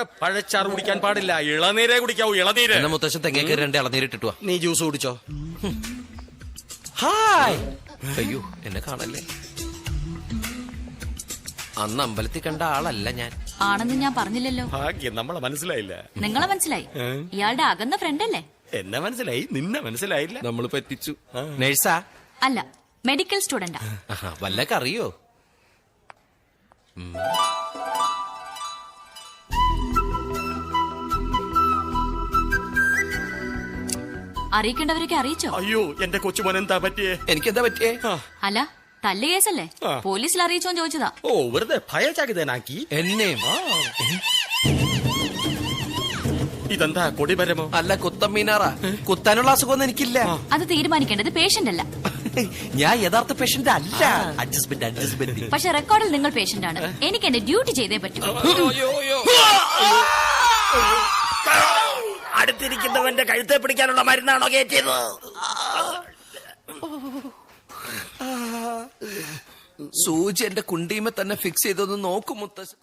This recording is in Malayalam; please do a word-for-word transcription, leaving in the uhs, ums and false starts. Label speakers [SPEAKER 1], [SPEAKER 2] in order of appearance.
[SPEAKER 1] പഴച്ചാറ് കുടിക്കാൻ പാടില്ല, ഇളനീരേ കുടിക്കാവൂ, ഇളനീര്.
[SPEAKER 2] എന്നെ മുത്തശ്ശൻ തെങ്ങേക്ക് രണ്ട് ഇളനീരിട്ടിട്ട് വാ.
[SPEAKER 1] നീ ജ്യൂസ് കുടിച്ചോ.
[SPEAKER 2] ഹായ്. അയ്യോ എന്നെ കാണല്ലേ, അന്ന് അമ്പലത്തിൽ കണ്ട ആളല്ല ഞാൻ.
[SPEAKER 3] ആണെന്ന് ഞാൻ പറഞ്ഞില്ലല്ലോ.
[SPEAKER 1] ഭാഗ്യം, നമ്മളെ മനസ്സിലായില്ല.
[SPEAKER 3] നിങ്ങളെ മനസ്സിലായി. ഇയാളുടെ അകന്ന ഫ്രണ്ട് അല്ലേ?
[SPEAKER 1] എന്നെ മനസ്സിലായി, നിന്നെ മനസ്സിലായില്ല.
[SPEAKER 2] നമ്മൾ പറ്റിച്ചു. നേഴ്സാ?
[SPEAKER 3] അല്ല, മെഡിക്കൽ സ്റ്റുഡന്റാ.
[SPEAKER 2] വല്ലൊക്കെ അറിയോ?
[SPEAKER 3] അറിയിക്കേണ്ടവരൊക്കെ അറിയിച്ചോ?
[SPEAKER 1] അയ്യോ, എന്റെ കൊച്ചുമോൻ എന്താ പറ്റിയേ?
[SPEAKER 2] എനിക്കെന്താ പറ്റിയേ?
[SPEAKER 3] അല്ല, തല്ല് കേസല്ലേ, പോലീസിൽ അറിയിച്ചോന്ന് ചോദിച്ചതാ.
[SPEAKER 1] ഓ, വെറുതെ ഭയചകിതനാക്കി
[SPEAKER 2] എന്നെയും.
[SPEAKER 1] ഇതെന്താ കൊടിമരമോ?
[SPEAKER 2] അല്ല, കുത്തമ്മീനാറാ. കുത്താനുള്ള അസുഖമൊന്നും എനിക്കില്ല.
[SPEAKER 3] അത് തീരുമാനിക്കേണ്ടത് പേഷ്യന്റ് അല്ല.
[SPEAKER 2] ഞാൻ യഥാർത്ഥ പേഷ്യന്റ് അല്ല. Adjustment adjustment.
[SPEAKER 3] പക്ഷെ റെക്കോർഡിൽ നിങ്ങൾ പേഷ്യന്റ് ആണ്. എനിക്ക് എന്റെ ഡ്യൂട്ടി ചെയ്തേ പറ്റൂ.
[SPEAKER 1] അടുത്തിരിക്കുന്നവന്റെ കഴുത്തെ പിടിക്കാനുള്ള മരുന്നാണോ കയറ്റിയത്?
[SPEAKER 2] സൂചി എന്റെ കുണ്ടിയുമേ തന്നെ ഫിക്സ് ചെയ്തൊന്ന് നോക്കും മുത്തശ്ശൻ.